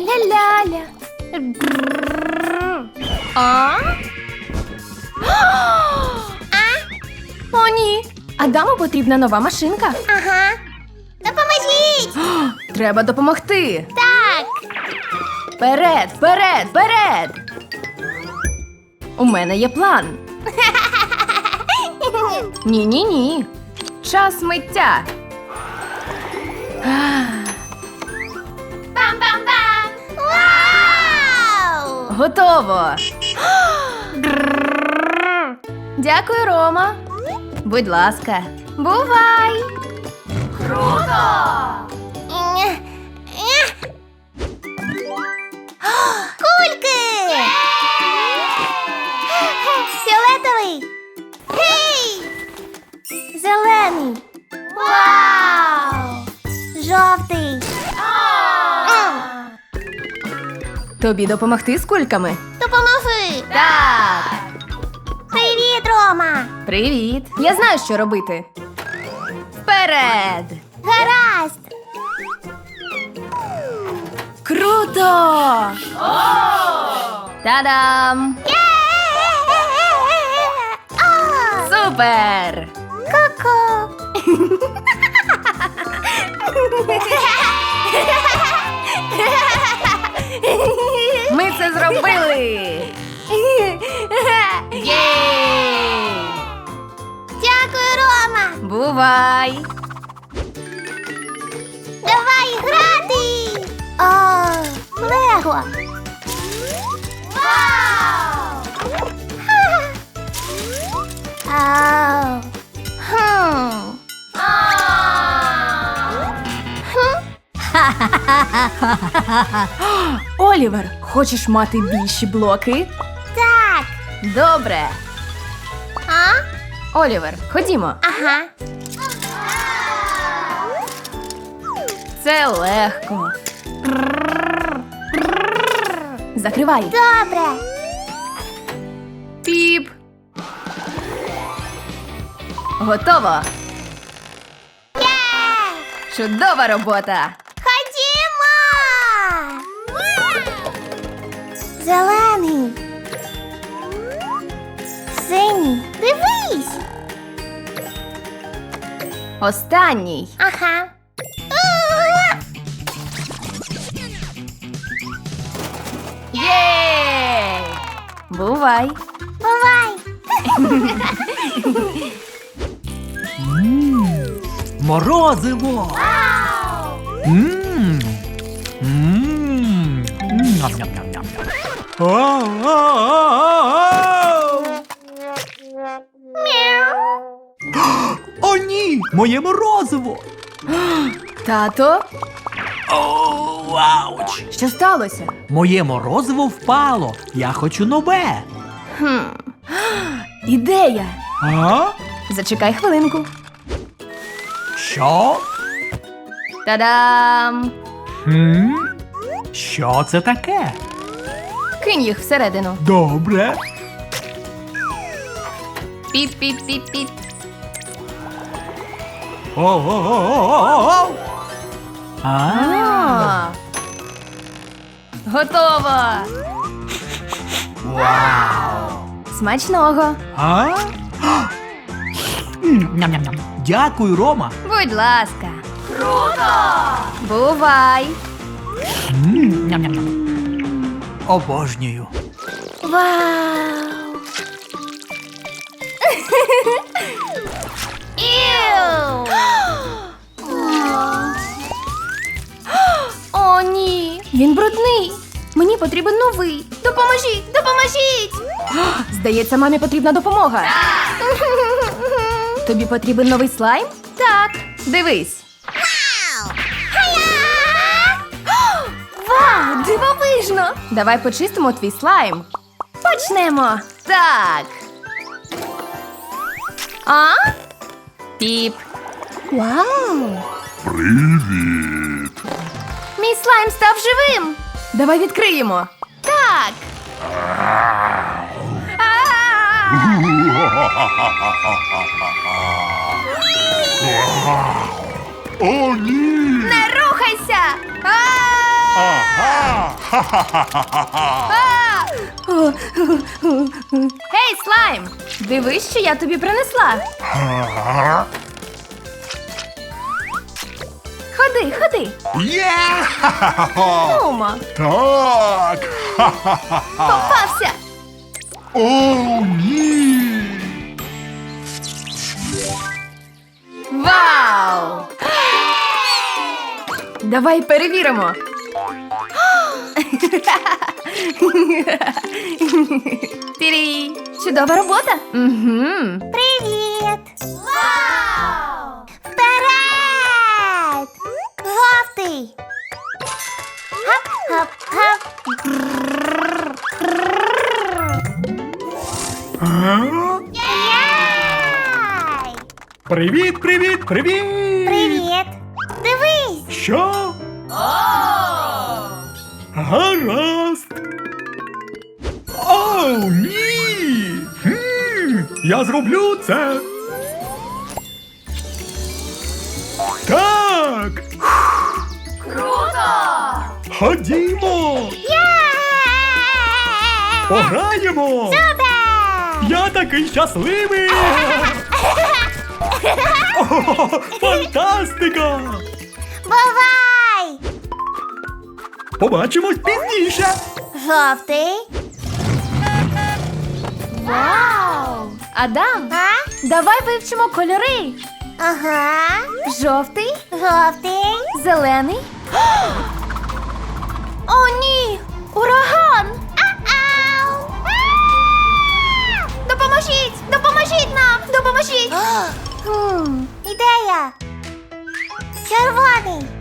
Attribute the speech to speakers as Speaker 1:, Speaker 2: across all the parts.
Speaker 1: Ля-ля-ля. А? О, ні. Адаму потрібна нова машинка.
Speaker 2: Ага. Допоможіть!
Speaker 1: Треба допомогти.
Speaker 2: Так.
Speaker 1: Вперед, вперед, вперед! У мене є план. Ні-ні-ні. Час миття.
Speaker 2: Бам-бам-бам! Вау!
Speaker 1: Готово. Дякую, Рома. Будь ласка. Бувай. Круто!
Speaker 2: Кульки! Фіолетовий! Гей! Зелений! Вау! Жовтий!
Speaker 1: Тобі допомогти з кульками?
Speaker 2: Допоможи!
Speaker 1: Так.
Speaker 2: Привіт, Рома!
Speaker 1: Привіт. Я знаю, що робити. Вперед!
Speaker 2: Гаразд!
Speaker 1: Круто! Та-дам! Супер!
Speaker 2: Ку-ку!
Speaker 1: Ми це зробили! Єй!
Speaker 2: Дякую, Рома!
Speaker 1: Бувай!
Speaker 2: Давай грати! О, Лего! Вау! Ау!
Speaker 1: Хм. Олівер, хочеш мати більші блоки?
Speaker 2: Так!
Speaker 1: Добре.
Speaker 2: А?
Speaker 1: Олівер, ходімо.
Speaker 2: Ага.
Speaker 1: Це легко. Закривай.
Speaker 2: Добре!
Speaker 1: Піп. Готово.
Speaker 2: Є!
Speaker 1: Чудова робота.
Speaker 2: Ходімо! Зелений. Синій. Дивись!
Speaker 1: Останній.
Speaker 2: Ага.
Speaker 1: Єй! Бувай.
Speaker 2: Бувай!
Speaker 3: Морозиво! Мм. Мм. Ням-ням-ням-ням. О-о-о-о-о! О, ні! Моє морозиво!
Speaker 1: Тато,
Speaker 3: О, ауч!
Speaker 1: що сталося?
Speaker 3: Моє морозиво впало. Я хочу нове.
Speaker 1: Ідея.
Speaker 3: А?
Speaker 1: Зачекай хвилинку.
Speaker 3: Що?
Speaker 1: Та-дам!
Speaker 3: Хм? Що це таке?
Speaker 1: Кинь їх всередину.
Speaker 3: Добре.
Speaker 1: Піп-піп-піп-піп.
Speaker 3: О-о-о-о-о-о!
Speaker 1: А. Готово!
Speaker 3: Вау!
Speaker 1: Смачного!
Speaker 3: А? Ням-ням-ням. Дякую, Рома.
Speaker 1: Будь ласка! Круто! Бувай!
Speaker 3: Ням-ням-ням. Обожнюю.
Speaker 1: Вау!
Speaker 2: Іу!
Speaker 1: О, ні! Він брудний! Мені потрібен новий! Допоможіть! Допоможіть! Здається, мамі потрібна допомога. Тобі потрібен новий слайм? Так. Дивись. Вау, дивовижно! Давай почистимо твій слайм. Почнемо. Так. А? Піп. Вау!
Speaker 4: Привіт!
Speaker 1: Мій слайм став живим. Давай відкриємо. Так.
Speaker 4: О, ні!
Speaker 1: Не рухайся!
Speaker 4: Ага! Ха-ха-ха-ха-ха!
Speaker 1: Гей, слайм! Дивись, що я тобі принесла.
Speaker 4: Ага!
Speaker 1: Ходи, ходи.
Speaker 4: Є! Ха-ха-ха-ха!
Speaker 1: Нумо,
Speaker 4: Так! Ха-ха-ха-ха!
Speaker 1: попався.
Speaker 4: О, ні!
Speaker 1: Вау! Давай перевіримо. Тирі! Чудова робота. Угу.
Speaker 2: Привіт! Вау! Вперед! Жовтий! Хап-хап-хап! Яй!
Speaker 3: Привіт, привіт, привіт!
Speaker 2: Привіт! Дивись!
Speaker 3: Що? Гаразд. О, ні! Я зроблю це. Так.
Speaker 1: Круто!
Speaker 3: Ходімо.
Speaker 2: Яй!
Speaker 3: Пограємо.
Speaker 2: Супер!
Speaker 3: Я такий щасливий. О, фантастика!
Speaker 2: Бувай!
Speaker 3: Побачимось пізніше.
Speaker 2: Жовтий!
Speaker 1: Вау! Адам,
Speaker 2: А?
Speaker 1: давай вивчимо кольори.
Speaker 2: Ага!
Speaker 1: Жовтий,
Speaker 2: Жовтий!
Speaker 1: зелений. О, ні! Ураган!
Speaker 2: Ау!
Speaker 1: Допоможіть! Допоможіть нам! Допоможіть!
Speaker 2: Ідея! Червоний!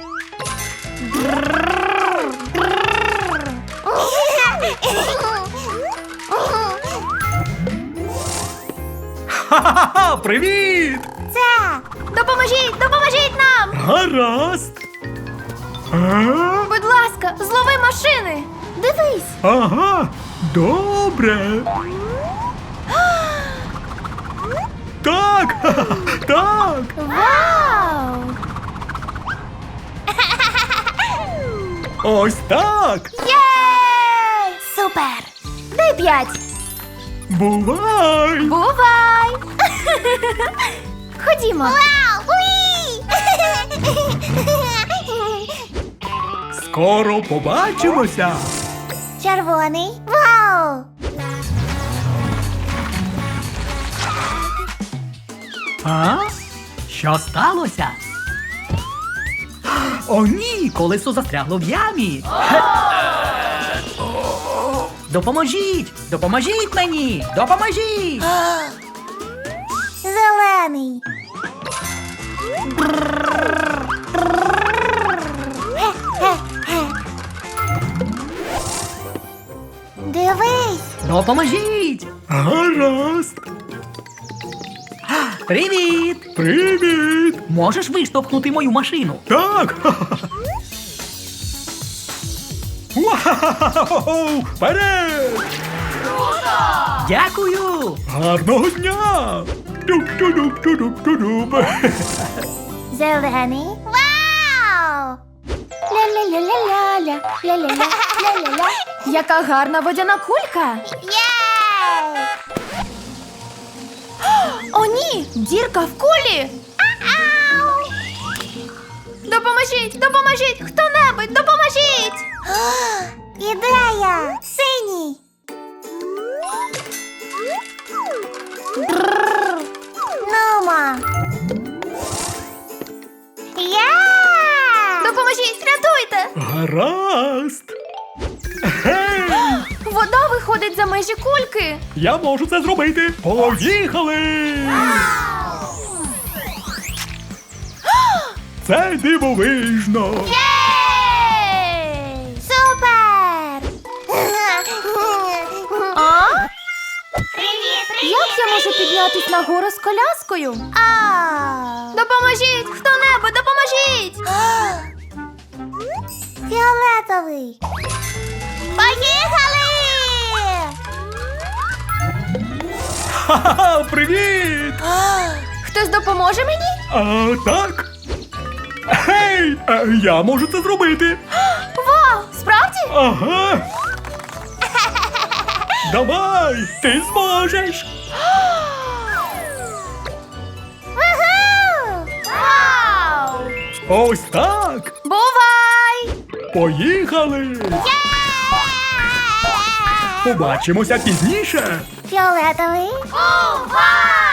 Speaker 3: Ха-ха-ха! Привіт!
Speaker 2: Це!
Speaker 1: Допоможіть! Допоможіть нам!
Speaker 3: Гаразд. А?
Speaker 1: Будь ласка, злови машини! Дивись!
Speaker 3: Ага, добре. Так, ха-ха, так.
Speaker 1: Вау!
Speaker 3: Ось так.
Speaker 1: Єй!
Speaker 2: Супер!
Speaker 1: Дай 5!
Speaker 3: Бувай.
Speaker 1: Бувай! Ходімо!
Speaker 2: Вау! Уї!
Speaker 3: Скоро побачимося.
Speaker 2: Червоний! Вау!
Speaker 3: А? Що сталося? О, ні, колесо застрягло в ямі. Допоможіть! Допоможіть мені! Допоможіть!
Speaker 2: Зелений! Дивись!
Speaker 3: Допоможіть! Гаразд! Привіт! Привіт! Можеш виштовхнути мою машину? Так! Вау! Вперед! Дякую! Гарного дня! Туп-туп-туп-туп-туп.
Speaker 2: Зелений! Вау!
Speaker 1: Ля-ля-ля-ля-ля-ля, ля-ля-ля, ля-ля-ля. Яка гарна водяна кулька!
Speaker 2: Єй!
Speaker 1: О, ні! Дірка в кулі!
Speaker 2: Ау!
Speaker 1: Допоможіть! Допоможіть! Хто-небудь! Допоможіть!
Speaker 2: Ідея! Синій! Нумо!
Speaker 1: Допоможіть! Рятуйте!
Speaker 3: Гаразд! Гей!
Speaker 1: Вода виходить за межі кульки!
Speaker 3: Я можу це зробити! Поїхали! Це дивовижно!
Speaker 1: Єй!
Speaker 2: Супер!
Speaker 1: А?
Speaker 2: Привіт!
Speaker 1: Як я можу піднятись на гору з коляскою?
Speaker 2: А!
Speaker 1: Допоможіть! Хто-небудь! Допоможіть!
Speaker 2: Фіолетовий! Поїхали!
Speaker 3: Ха-ха! Привіт!
Speaker 1: Хтось допоможе мені?
Speaker 3: А, так? Гей! Я можу це зробити!
Speaker 1: Вау!
Speaker 3: Ага. Давай, ти зможеш.
Speaker 2: Вау!
Speaker 3: Ось так.
Speaker 1: Бувай!
Speaker 3: Поїхали. Побачимося пізніше.
Speaker 2: Фіолетовий. Бувай!